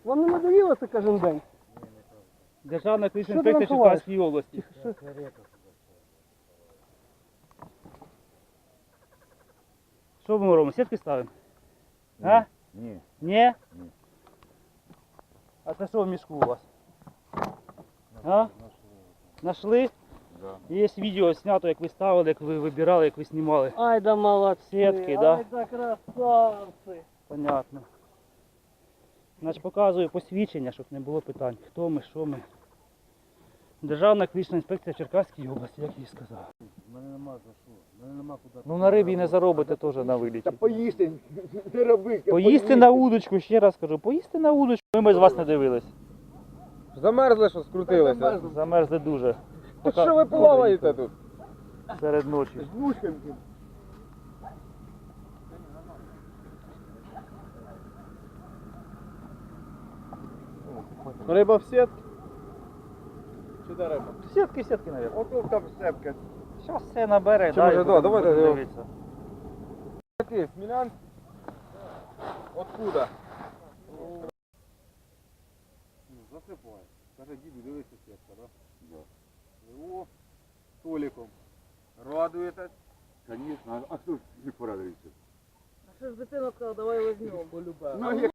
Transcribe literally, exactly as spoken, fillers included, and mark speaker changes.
Speaker 1: Вам не надоїло це кожен день?
Speaker 2: Державна екологічна
Speaker 1: Що ти
Speaker 2: інспекція
Speaker 1: нам ховаєш?
Speaker 2: Черкаської області. Що ми робимо? Сітки ставимо? А?
Speaker 3: Ні.
Speaker 2: Ні?
Speaker 3: Ні.
Speaker 2: А це що в мішку у вас? А? Нашли?
Speaker 3: Да.
Speaker 2: Є відео знято, як ви ставили, як ви вибирали, як ви знімали.
Speaker 1: Ай да молодці,
Speaker 2: Сітки, да?
Speaker 1: ай да красавці.
Speaker 2: Понятно. Значить, показую посвідчення, щоб не було питань. Хто ми, що ми. Державна екологічна інспекція Черкаської області, як я і сказав.
Speaker 3: Мене нема за що. Мене нема куди.
Speaker 2: Ну на рибі не заробите теж на виліті.
Speaker 4: Та поїсти, не роби.
Speaker 2: Поїсти на удочку, ще раз кажу, поїсти на удочку. Ми без вас не дивились.
Speaker 4: Замерзли, що скрутилися.
Speaker 2: Замерзли дуже.
Speaker 4: Та що ви плаваєте тут?
Speaker 2: Серед ночі.
Speaker 4: З вушками. Риба в сітки? Чи де риба?
Speaker 2: Сітки, сітки, мабуть.
Speaker 4: Ото там сепка.
Speaker 2: Зараз все набере,
Speaker 4: Чи
Speaker 2: дай,
Speaker 4: може,
Speaker 2: будемо-
Speaker 4: да, давайте
Speaker 2: будемо
Speaker 4: його.
Speaker 2: дивитися.
Speaker 4: Який, Смілянськ? Откуда? Ну, засипай. Каже, діду, дивися сітка, да? Да. О, столиком. Радуєтесь?
Speaker 3: Звісно, а хто ж не порадується?
Speaker 1: А що ж дитина сказала, давай візьмемо.
Speaker 4: Ну,